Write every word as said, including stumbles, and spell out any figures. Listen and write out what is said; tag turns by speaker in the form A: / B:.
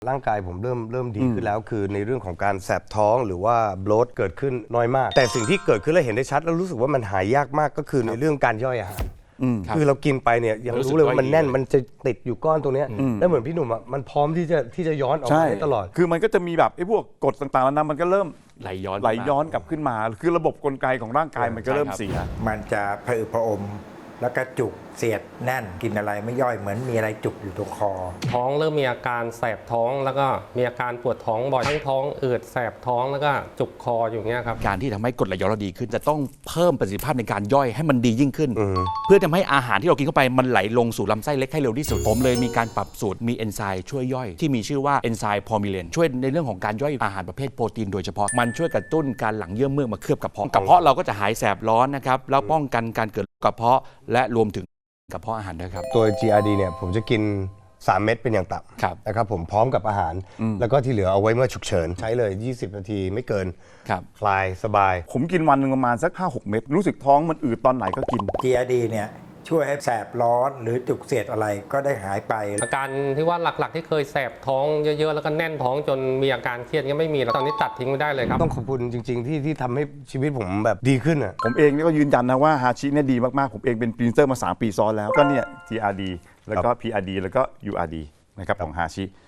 A: ร่างกายผมเริ่มเริ่มดีขึ้นแล้วคือในเรื่องของการแสบท้องหรือว่าโบลต์เกิดขึ้นน้อยมากแต่สิ่งที่เกิดขึ้นและเห็นได้ชัดแล้วรู้สึกว่ามันหายยากมากก็คือในเรื่องการย่อยอาหารคือเรากินไปเนี่ยยังรู้เลยว่ามันแน่นมันจะติดอยู่ก้อนตรงนี้แล้วเหมือนพี่หนุ่มอ่ะมันพร้อมที่จะที่จะย้อนออกมาได้ตลอด
B: คือมันก็จะมีแบบไอ้พวกกฎต่างๆแล้วนะมันก็เริ่ม
C: ไหลย้อน
B: ไหลย้อนกลับขึ้นมาคือระบบกลไกของร่างกายมันก็เริ่มเสีย
D: มันจะผะอืดผะอมแล้วก็จุกเสียดแน่นกินอะไรไม่ย่อยเหมือนมีอะไรจุกอยู่ตรงคอ
E: ท้องเริ่มมีอาการแสบท้องแล้วก็มีอาการปวดท้องบ่อยทั้งท้องอืดแสบท้องแล้วก็จุกคออยู่เงี้ยครับ
C: การที่ทำให้กรดไหลย้อนเราดีขึ้นจะต้องเพิ่มประสิทธิภาพในการย่อยให้มันดียิ่งขึ้นเพื่อทำให้อาหารที่เรากินเข้าไปมันไหลลงสู่ลำไส้เล็กให้เร็วที่สุดผมเลยมีการปรับสูตรมีเอนไซม์ช่วยย่อยที่มีชื่อว่าเอนไซม์พอมิเลนช่วยในเรื่องของการย่อยอาหารประเภทโปรตีนโดยเฉพาะมันช่วยกระตุ้นการหลั่งเยื่อเมือกมาเคลือบกระเพาะกระเพาะเราก็จะหายแสบร้อนนะครับแล้วป้องกันการเกิดกระเพาะและรวมถึงกระเพาะอาหารด้วยครับ
A: ตัว จี อาร์ ดี เนี่ยผมจะกินสามเม็ดเป็นอย่างต่ำนะครับผมพร้อมกับอาหารแล้วก็ที่เหลือเอาไว้เมื่อฉุกเฉินใช้เลยยี่สิบนาทีไม่เกินคลายสบาย
B: ผมกินวันหนึ่งประมาณสัก ห้าหก เม็ดรู้สึกท้องมันอืดตอนไหนก็กิน
D: จี อาร์ ดี เนี่ยช่วยให้แสบร้อนหรือจุกเสียดอะไรก็ได้หายไป
E: อาการที่ว่าหลักๆที่เคยแสบท้องเยอะๆแล้วก็แน่นท้องจนมีอาการเครียดก็ไม่มีแล้วตอนนี้ตัดทิ้งไม่ได้เลยครับ
A: ต้องขอบคุณจริงๆที่ที่ทำให้ชีวิตผมแบบดีขึ้นอ่ะ
B: ผมเองนี่ก็ยืนยันนะว่าฮาชิเนี่ยดีมากๆผมเองเป็นพรีเซนเตอร์มาสามปีซ้อนแล้วก็เนี่ย จี อาร์ ดี แล้วก็ พี อาร์ ดี แล้วก็ ยู อาร์ ดี นะครับของฮาชิ